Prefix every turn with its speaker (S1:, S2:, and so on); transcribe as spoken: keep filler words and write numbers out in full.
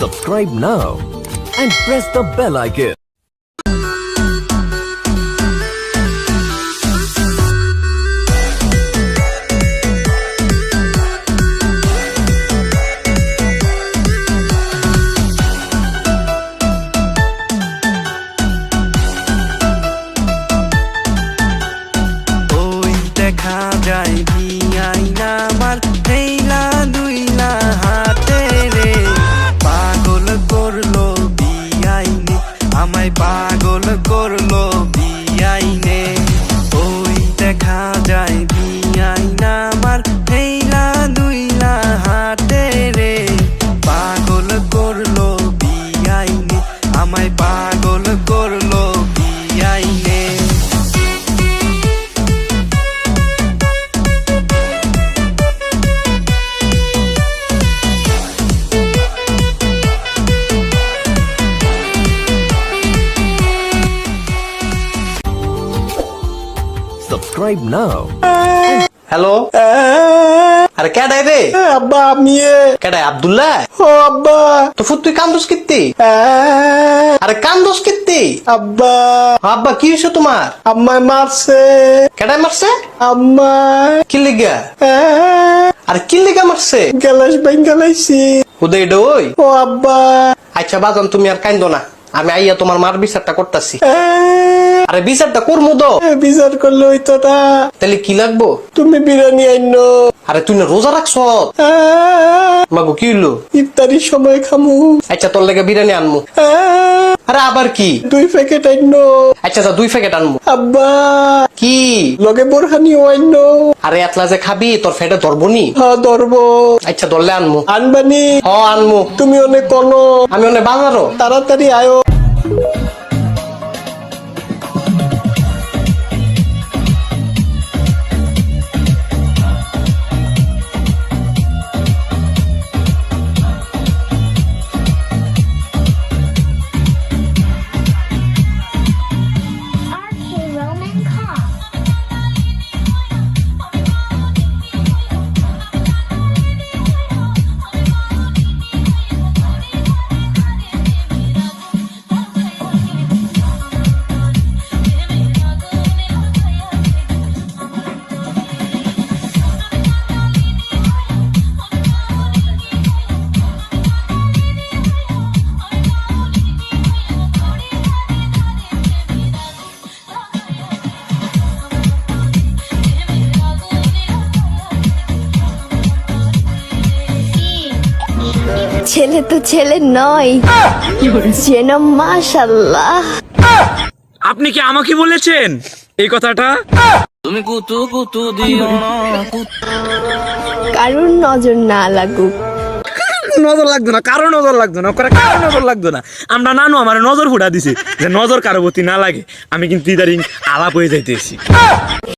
S1: Subscribe now and press the bell icon.
S2: দেখা যায় বিয়াই নামার হেইলা দুইলা হাতে রে পাগল করলো বিয়াইনে আমায় পাগল করলো বিয়াইনে ওই দেখা যায় বিয়াই নামার হেইলা দুইলা হাতে রে পাগল করলো বিয়াইনে আমায় পাগল করলো বিয়াইনে
S1: Subscribe now.
S3: হ্যালো আরে কেডাই রে
S4: আব্বা আমি
S3: কেডাই আব্দুল্লাহ
S4: ও আব্বা
S3: তো ফুট তুই কান্দোস কিত্তি আরে কান্দোস কিত্তি
S4: আব্বা
S3: আব্বা কি হইছে তোমার
S4: আম্মায় মারছে
S3: কেডাই মারছে
S4: আম্মা
S3: কি লিগা আরে কি লিগা মারছে
S4: গ্যালাস বেঙ্গালাইছি
S3: উদয় ওই
S4: ও আব্বা
S3: আচ্ছা বাজান তুমি আর কান্দো না আমি আইয়া তোমার মার বিচারটা করতেছি আরে বিচারটা করমু তো
S4: বিচার করলে হইতো না
S3: তাহলে কি লাগবো
S4: তুমি বিরিয়ানি আইনো
S3: আরে তুই না রোজা রাখছ মাগো কি হইলো
S4: ইফতারির সময় খামু
S3: আচ্ছা তোর লেগে বিরিয়ানি আনমু আরে আবার কি
S4: দুই প্যাকেট আইনো
S3: আচ্ছা যা দুই প্যাকেট আনমু
S4: আব্বা
S3: কি
S4: লগে বোরহানিও আইনো
S3: আরে এতলা যে খাবি তোর ফেটে ধরবনি
S4: হ্যাঁ ধরবো
S3: আচ্ছা ধরলে আনমু
S4: আনবানি
S3: হ আনমু
S4: তুমি অনেক কোনো
S3: আমি অনেক বাজারও
S4: তাড়াতাড়ি আয়ো
S5: Archie Roman Kong.
S6: ছেলে তো ছেলে নয় যেন মাশাল্লাহ।
S7: আপনি কি আমাকে বলেছেন এই কথাটা?
S6: কারোর নজর না লাগুক।
S7: নজর লাগতো না, কারো নজর লাগতো না, ওখানে কারো নজর লাগতো না। আমরা নানু আমার নজর ফুটা দিছে যে নজর কারো প্রতি না লাগে। আমি কিন্তু ইদারিং আলাপ হয়ে যাইতেছি।